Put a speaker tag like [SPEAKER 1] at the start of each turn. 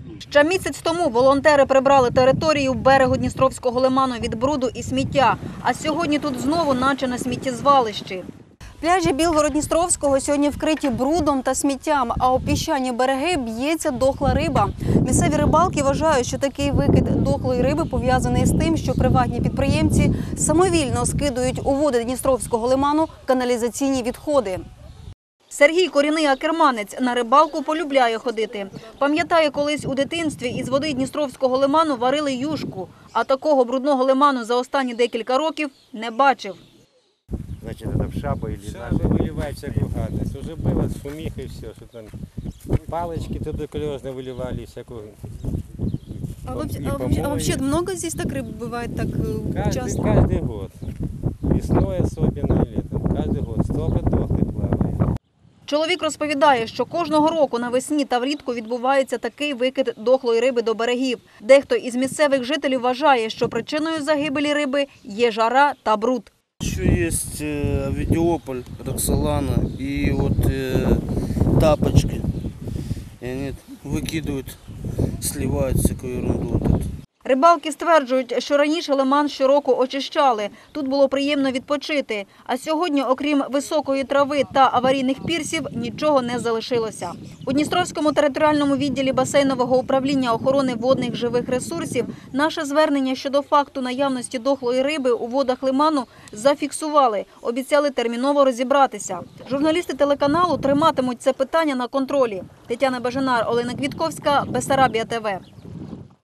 [SPEAKER 1] Ще місяць тому волонтери прибрали територію берегу Дністровського лиману від бруду і сміття. А сьогодні тут знову наче на сміттєзвалищі. Пляжі Білгород-Дністровського сьогодні вкриті брудом та сміттям, а у піщані береги б'ється дохла риба. Місцеві рибалки вважають, що такий викид дохлої риби пов'язаний з тим, що приватні підприємці самовільно скидують у води Дністровського лиману каналізаційні відходи. Сергій – корінний акерманець, на рибалку полюбляє ходити. Пам'ятає, колись у дитинстві із води Дністровського лиману варили юшку, а такого брудного лиману за останні декілька років не бачив.
[SPEAKER 2] Значит, это в шабу или
[SPEAKER 3] Шабы выливать всякую гадость. Уже было шумиха и все, что там палочки туберкулезные выливали, всякую.
[SPEAKER 1] А вообще много здесь так рыб бывает так часто?
[SPEAKER 3] Каждый год. Весной особенно и летом. Каждый год. Столько дохлых плавает.
[SPEAKER 1] Чоловік розповідає, що кожного року навесні та влітку відбувається такий викид дохлої риби до берегів. Дехто із місцевих жителів вважає, що причиною загибелі риби є жара та бруд.
[SPEAKER 4] Еще есть Овидиополь, Роксолана и вот тапочки. И они выкидывают, сливают всякую ерунду. Вот эту.
[SPEAKER 1] Рибалки стверджують, що раніше лиман щороку очищали. Тут було приємно відпочити. А сьогодні, окрім високої трави та аварійних пірсів, нічого не залишилося. У Дністровському територіальному відділі басейнового управління охорони водних живих ресурсів наше звернення щодо факту наявності дохлої риби у водах лиману зафіксували. Обіцяли терміново розібратися. Журналісти телеканалу триматимуть це питання на контролі. Тетяна Бажанар, Олена Квітковська, Бессарабія ТВ.